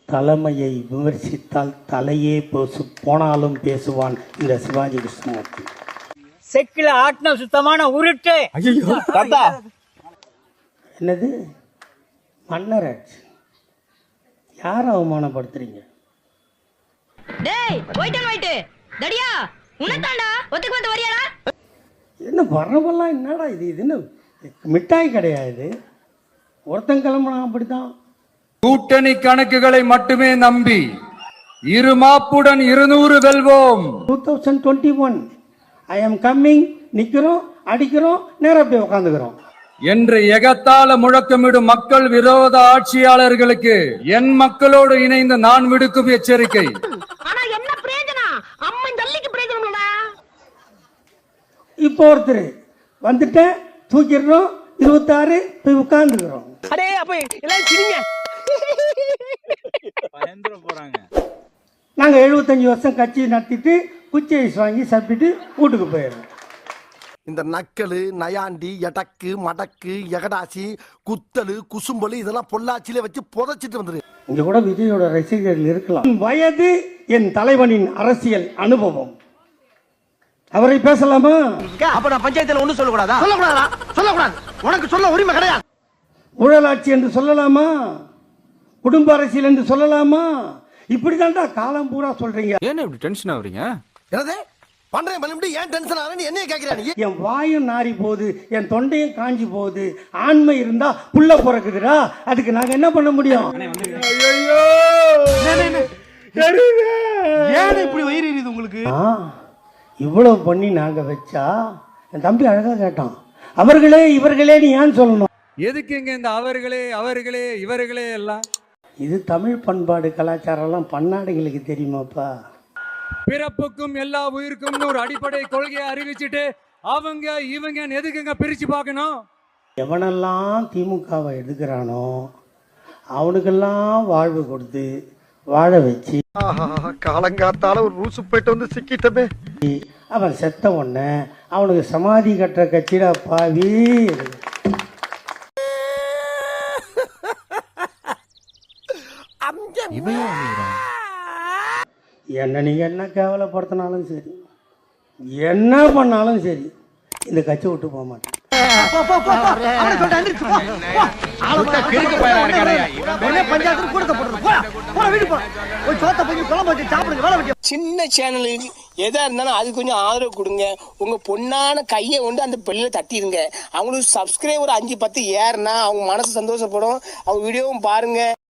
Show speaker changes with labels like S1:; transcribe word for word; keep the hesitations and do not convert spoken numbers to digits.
S1: தலைமையை விமர்சித்தால் தலையே பேசு போனாலும் பேசுவான் இந்த சிவாஜி கிருஷ்ணமூர்த்தி.
S2: செக்கில ஆட்டின சுத்தமான உருட்டு.
S1: என்னது மன்னராட்சி? யாரை அவமானப்படுத்துறீங்க? என்ன வரவெல்லாம் என்னடா இது? இது என்ன மிட்டாய் கிடையாது. ஒருத்தன் கிளம்புனா அப்படித்தான்.
S3: கூட்டணி கணக்குகளை மட்டுமே நம்பி இரு மாப்புடன் இருநூறு வெல்வோம்.
S1: Two thousand twenty one I am coming. நிக்கிறோம், அடிக்கிறோம், நேரா போய் உட்காந்துக்கிறோம்
S3: என்று எகத்தால முழக்கமிடும் மக்கள் விரோத ஆட்சியாளர்களுக்கு என் மக்களோடு இணைந்து நான் விடுக்கும் எச்சரிக்கை.
S1: இப்போ ஒருத்தர் வந்துட்டேன், தூக்கிடுறோம், இருபத்தாறு போய் உட்கார்ந்துக்கிறோம். நாங்க எழுபத்தஞ்சு வருஷம் கட்சி நடத்திட்டு குச்சி ஐஸ் வாங்கி சாப்பிட்டுட்டு வீட்டுக்கு போயிடுறோம்.
S4: இந்த நக்கலு, நயாண்டி, எடக்கு, மடக்கு, எகடாசி, குத்தலு, குசும்பலு இதெல்லாம் பொள்ளாச்சியில வச்சு புதைச்சிட்டு வந்துரு.
S1: இங்க கூட விஜயோட ரசிகர்கள் இருக்கலாம். வயது என் தலைவனின் அரசியல் அனுபவம். அவரை பேசலாமா?
S4: அப்ப நான் பஞ்சாயத்துல ஒண்ணு சொல்லக்கூடாதா? சொல்லக்கூடாதா? சொல்லக்கூடாது. உனக்கு சொல்ல உரிமை கிடையாது.
S1: ஊழலாட்சி என்று சொல்லலாமா? குடும்ப அரசியல் என்று சொல்லலாமா? இப்படிதான்டா காலம் பூரா சொல்றீங்க.
S3: ஏன் இப்படி டென்ஷன் ஆவறீங்க?
S4: என்னது பண்றேன் பண்ணி ஏன் டென்ஷன் ஆறேன்னு என்னைய கேக்குறானே?
S1: என் வாயும் நாரி போகுது, என் தொண்டையும் காஞ்சி போகுது. ஆண்மை இருந்தா புள்ள பிறக்குதுடா, அதுக்கு நாங்க என்ன பண்ண முடியும்?
S4: ஏன் இப்படி வயிறு எரியுது உங்களுக்கு?
S1: இவ்வளவு பண்ணி நாங்க வச்சா என் தம்பி அழகா கேட்டான், அவர்களே இவர்களே நீ ஏன் சொல்லணும்?
S3: எதுக்குங்க இந்த அவர்களே அவர்களே இவர்களே எல்லாம்?
S1: இது தமிழ் பண்பாடு கலாச்சாரம் எல்லாம் பன்னாடுகளுக்கு தெரியுமாப்பா?
S3: பிறப்புக்கும் எல்லா உயிருக்கும் ஒரு அடிப்படை கொள்கையை அறிவிச்சுட்டு அவங்க இவங்க எதுக்குங்க பிரிச்சு பார்க்கணும்?
S1: எவனெல்லாம் திமுகவை எதுக்குறானோ அவனுக்கெல்லாம் வாழ்வு கொடுத்து வாழ வச்சு
S4: காலங்காத்தால ஒரு ரூசு போயிட்டு வந்து சிக்கிட்டமே.
S1: அவன் செத்த உடனே அவனுக்கு சமாதி கட்டுற கட்சிடா பாவி. என்ன நீங்க என்ன கேவலப்படுத்தினாலும் சரி, என்ன பண்ணாலும் சரி, இந்த கட்சி விட்டு போக மாட்டேன்.
S5: சின்ன சேனலுக்கு எதா இருந்தாலும் அது கொஞ்சம் ஆதரவு கொடுங்க. உங்க பொண்ணான கையை கொண்டு அந்த பெல்ல தட்டிடுங்க. அவங்களுக்கு சப்ஸ்கிரைபர் அஞ்சு பத்து ஏறுனா அவங்க மனசு சந்தோஷப்படும். அவங்க வீடியோவும் பாருங்க.